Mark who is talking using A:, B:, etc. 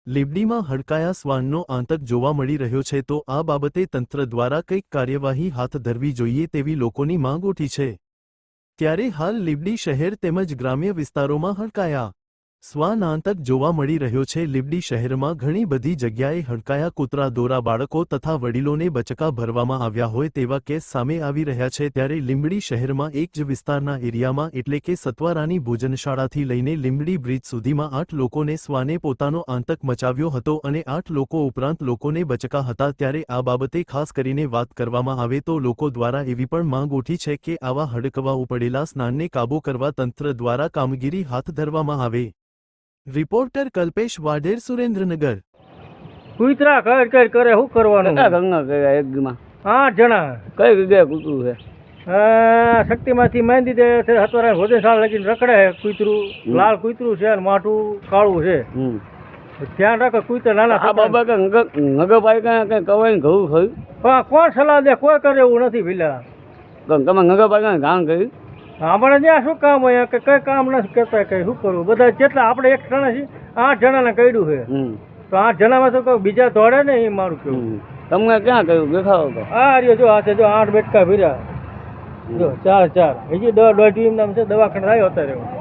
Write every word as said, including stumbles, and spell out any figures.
A: લીંબડીમાં હડકાયા શ્વાનનો આતંક જોવા મળી રહ્યો છે તો આ બાબતે તંત્ર દ્વારા કંઈક કાર્યવાહી હાથ ધરવી જોઈએ તેવી લોકોની માંગ ઉઠી છે। ત્યારે હાલ લીંબડી શહેર તેમજ ગ્રામ્ય વિસ્તારોમાં હડકાયા શ્વાન આતંક જોવા મળી રહ્યો છે। લીંબડી શહેરમાં ઘણી બધી જગ્યાએ હડકાયા કૂતરા દોરા બાળકો તથા વડીલોને બચકા ભરવામાં આવ્યા હોય તેવા કેસ સામે આવી રહ્યા છે। ત્યારે લીંબડી શહેરમાં એક જ વિસ્તારના એરિયામાં એટલે કે સત્વારાની ભોજનશાળાથી લઈને લીંબડી બ્રિજ સુધીમાં આઠ લોકોને શ્વાને પોતાનો આતંક મચાવ્યો હતો અને આઠ લોકો ઉપરાંત લોકોને બચકા હતા। ત્યારે આ બાબતે ખાસ કરીને વાત કરવામાં આવે તો લોકો દ્વારા એવી પણ માંગ ઉઠી છે કે આવા હડકવા ઉપડેલા શ્વાનને કાબૂ કરવા તંત્ર દ્વારા કામગીરી હાથ ધરવામાં આવે। રિપોર્ટર કલ્પેશ વાઢેર, સુરેન્દ્રનગર।
B: કૂતરા કર કર કરે શું કરવાનું?
C: ગંગા ગયા એક દીમાં
B: આઠ જણા
C: કઈ જગ્યાએ કૂતરું છે?
B: શક્તિમાંથી માંડી દે હતવારા ભોજનશાળા લગીને રખડે કૂતરું, લાલ કૂતરું છે અને માઠું કાળું છે। ધ્યાન રાખો કૂતરા નાના
C: આ બાબા કે નગરપાલિકા કઈ કવાય ઘઉં થયું
B: પણ કોણ સલાહ દે? કોઈ કરે એવું નથી ભીલા।
C: તમે નગરપાલિકા ગામ કર્યું?
B: આપણે ત્યાં શું કામ હોય કે કઈ કામ નથી કરતા, કઈ શું કરવું? બધા જેટલા આપણે એક જણા છીએ, આઠ જણાને કર્યું છે તો આઠ જણામાં તો કોઈ બીજા દોડે ને એ મારું કેવું।
C: તમને ક્યાં કર્યું દેખાડો તો?
B: આ રહ્યો જો હાથે જો આઠ બેટકા ભર્યા, જો ચાર ચાર હજી દવા દોઢ નામ છે, દવાખાને આવ્યો અત્યારે।